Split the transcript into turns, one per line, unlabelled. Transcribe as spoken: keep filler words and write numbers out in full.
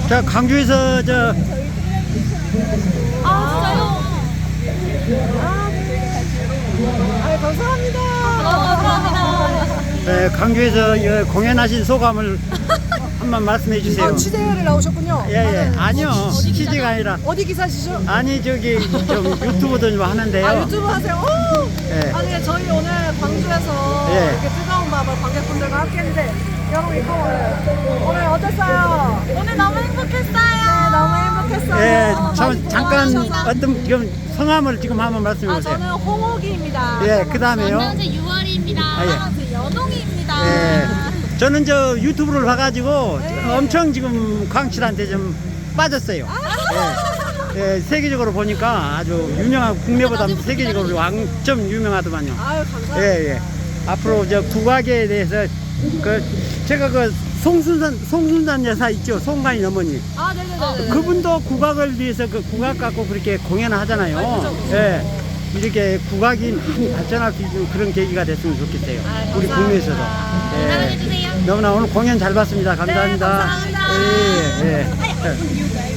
자, 광주에서 저
아, 진짜요?
아, 감사합니다.
아, 감사합니다.
에, 광주에서 이 공연하신 소감을 한번 말씀해 주세요.
아, 취재를 나오셨군요.
예, 예.
아, 네.
아니요. 취재가 아니라.
어디 기사시죠?
아니, 저기 좀 유튜브도 좀 하는데요.
아, 유튜브 하세요? 오!
예.
아니, 저희 오늘 광주에서
예.
이렇게 뜨거운 밤을 관객분들과 함께 했는데, 여러분, 이거 오늘, 오늘 어땠어요?
오늘 너무 행복했어요.
네, 너무 행복했어요.
예,
많이
참, 잠깐
고마워하셔서.
어떤 지금 성함을 지금 한번 말씀해
아,
보세요.
저는 홍옥이입니다.
예, 그 다음에요.
전명재 유월입니다.
아, 예.
저 연홍이입니다.
예. 저는 저 유튜브를 봐가지고
네.
엄청 지금 광칠한테 좀 빠졌어요. 예. 예, 세계적으로 보니까 아주 유명한 국내보다 세계적으로 왕점 유명하더만요.
아유, 감사합니다.
예, 예. 앞으로 저 국악에 대해서 그 제가 그 송순산 송순산 여사 있죠, 송가인 어머니.
아, 네네네.
그분도 국악을 위해서 그 국악 갖고 그렇게 공연을 하잖아요.
아, 그죠, 그죠.
예. 이렇게 국악이 많이 발전할 수 있는 그런 계기가 됐으면 좋겠어요.
아,
우리
감사합니다.
국내에서도. 예.
사랑해주세요.
너무나 오늘 공연 잘 봤습니다. 감사합니다.
네, 감사합니다.
예, 예. 예.